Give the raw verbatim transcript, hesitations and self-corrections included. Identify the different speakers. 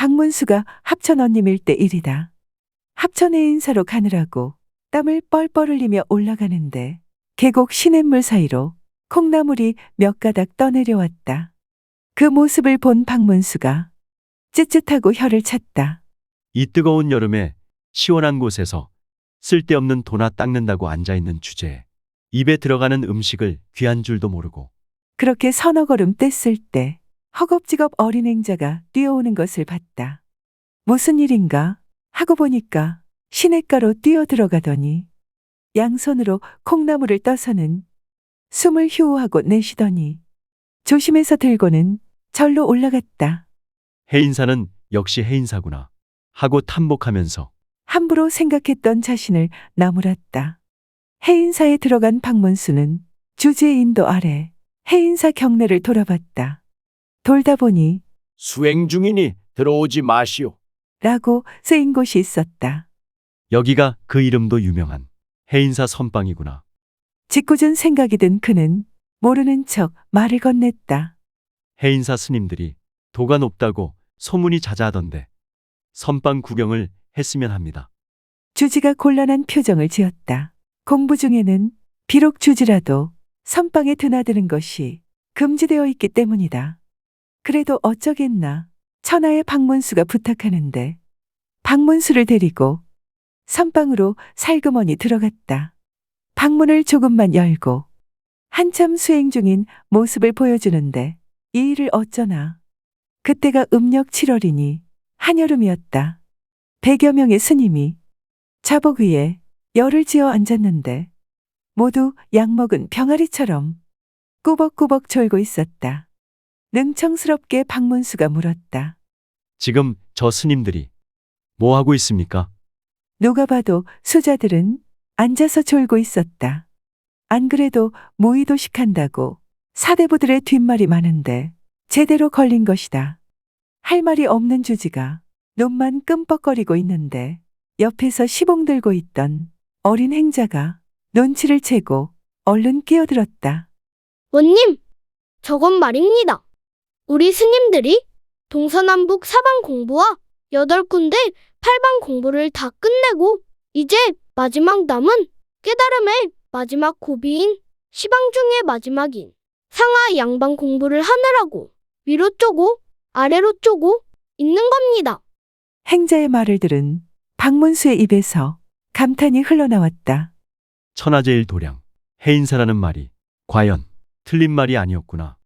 Speaker 1: 박문수가 합천 언니밀 때 일이다. 합천에 인사로 가느라고 땀을 뻘뻘 흘리며 올라가는데 계곡 시냇물 사이로 콩나물이 몇 가닥 떠내려왔다. 그 모습을 본 박문수가 쯧쯧하고 혀를 찼다.
Speaker 2: 이 뜨거운 여름에 시원한 곳에서 쓸데없는 도나 닦는다고 앉아있는 주제에 입에 들어가는 음식을 귀한 줄도 모르고
Speaker 1: 그렇게 서너 걸음 뗐을 때 허겁지겁 어린 행자가 뛰어오는 것을 봤다. 무슨 일인가 하고 보니까 시냇가로 뛰어들어가더니 양손으로 콩나물을 떠서는 숨을 휴호하고 내쉬더니 조심해서 들고는 절로 올라갔다.
Speaker 2: 해인사는 역시 해인사구나 하고 탐복하면서
Speaker 1: 함부로 생각했던 자신을 나무랐다. 해인사에 들어간 박문수는 주지의 인도 아래 해인사 경내를 돌아봤다. 돌다 보니
Speaker 3: 수행 중이니 들어오지 마시오.
Speaker 1: 라고 쓰인 곳이 있었다.
Speaker 2: 여기가 그 이름도 유명한 해인사 선방이구나.
Speaker 1: 짓궂은 생각이 든 그는 모르는 척 말을 건넸다.
Speaker 2: 해인사 스님들이 도가 높다고 소문이 자자하던데 선방 구경을 했으면 합니다.
Speaker 1: 주지가 곤란한 표정을 지었다. 공부 중에는 비록 주지라도 선방에 드나드는 것이 금지되어 있기 때문이다. 그래도 어쩌겠나. 천하의 박문수가 부탁하는데 박문수를 데리고 선방으로 살그머니 들어갔다. 방문을 조금만 열고 한참 수행 중인 모습을 보여주는데 이 일을 어쩌나. 그때가 음력 칠월이니 한여름이었다. 백여 명의 스님이 자복 위에 열을 지어 앉았는데 모두 약먹은 병아리처럼 꾸벅꾸벅 졸고 있었다. 능청스럽게 박문수가 물었다.
Speaker 2: 지금 저 스님들이 뭐 하고 있습니까?
Speaker 1: 누가 봐도 수자들은 앉아서 졸고 있었다. 안 그래도 무의도식한다고 사대부들의 뒷말이 많은데 제대로 걸린 것이다. 할 말이 없는 주지가 눈만 끔뻑거리고 있는데 옆에서 시봉 들고 있던 어린 행자가 눈치를 채고 얼른 끼어들었다.
Speaker 4: 원님, 저건 말입니다. 우리 스님들이 동서남북 사방 공부와 여덟 군데 팔방 공부를 다 끝내고 이제 마지막 남은 깨달음의 마지막 고비인 시방 중의 마지막인 상하 양방 공부를 하느라고 위로 쪼고 아래로 쪼고 있는 겁니다.
Speaker 1: 행자의 말을 들은 박문수의 입에서 감탄이 흘러나왔다.
Speaker 2: 천하제일 도량 해인사라는 말이 과연 틀린 말이 아니었구나.